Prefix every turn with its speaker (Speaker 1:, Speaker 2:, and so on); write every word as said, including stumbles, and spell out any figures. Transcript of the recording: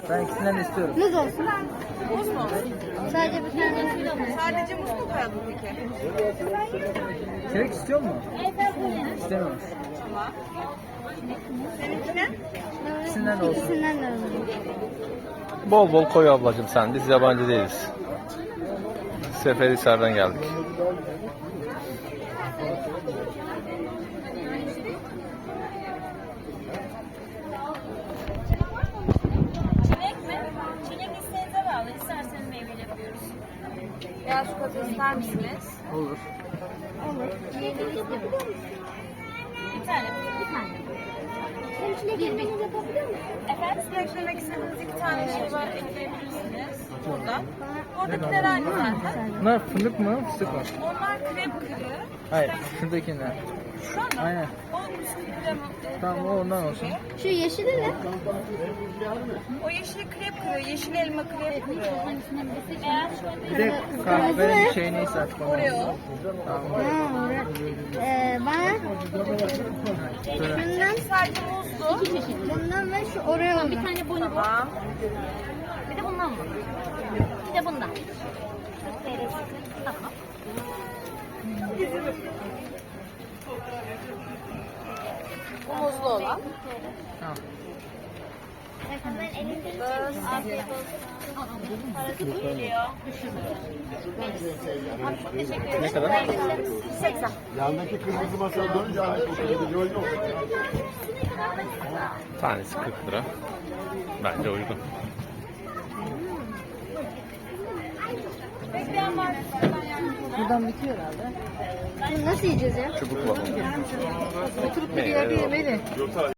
Speaker 1: Ben ikisinden de istiyorum.
Speaker 2: Muz olsun.
Speaker 3: Muz mu?
Speaker 2: Sadece bir tane.
Speaker 3: Sadece muz mu koyalım peki?
Speaker 1: Çilek istiyor mu? İstemiyormuş.
Speaker 3: Tamam. Seninkine?
Speaker 1: İkisinden de olsun.
Speaker 2: İkisinden de alalım.
Speaker 4: Bol bol koy ablacığım sen. Biz yabancı değiliz. Seferihisar'dan geldik.
Speaker 5: Çilek mi? Çilek isteğinize bağlı. İsterseniz meyveli yapıyoruz.
Speaker 3: Beyaz çikolata ister misiniz?
Speaker 1: Olur.
Speaker 5: Bir tane. Bir tane. Bir, bir. Efendim?
Speaker 3: Siz eklemek istediğiniz iki tane şey var, ekleyebilirsiniz. Burada. Oradakiler aynı zaten.
Speaker 1: Bunlar fındık mı? Fıstık mı?
Speaker 3: Onlar krep kırığı.
Speaker 1: Hayır. Şuradakiler.
Speaker 3: Şu an
Speaker 1: Aynen.
Speaker 3: o bisküvi krem. e,
Speaker 1: Tamam o ondan olsun.
Speaker 2: Şu yeşili ne?
Speaker 3: O yeşil krep kırığı, yeşil elma krep kırığı.
Speaker 5: Eğer şöyle
Speaker 1: Bir de kahve şey neyse artık. onu.
Speaker 3: Oreo.
Speaker 1: Tamam.
Speaker 2: Ha, orada. Ee, bana şundan,
Speaker 3: Sadece muzlu.
Speaker 2: bundan ve şu Oreo'dan.
Speaker 5: bir tane bonibon.
Speaker 3: Tamam.
Speaker 5: Bir de bundan mı? Bir de bundan. Tamam.
Speaker 3: Bu muzlu olan.
Speaker 1: Tamam.
Speaker 5: Afiyet olsun. Parası geliyor. Teşekkür ederim.
Speaker 4: Ne kadar?
Speaker 5: seksen.
Speaker 6: Yandaki kırmızı masaya dönünce aynı kokuyu gördüm.
Speaker 4: Tanesi kırk lira. Bence uygun.
Speaker 2: Buradan bitiyor herhalde. Bunu nasıl yiyeceğiz ya?
Speaker 4: Çubuk var.
Speaker 2: Oturup bir yerde yemeli.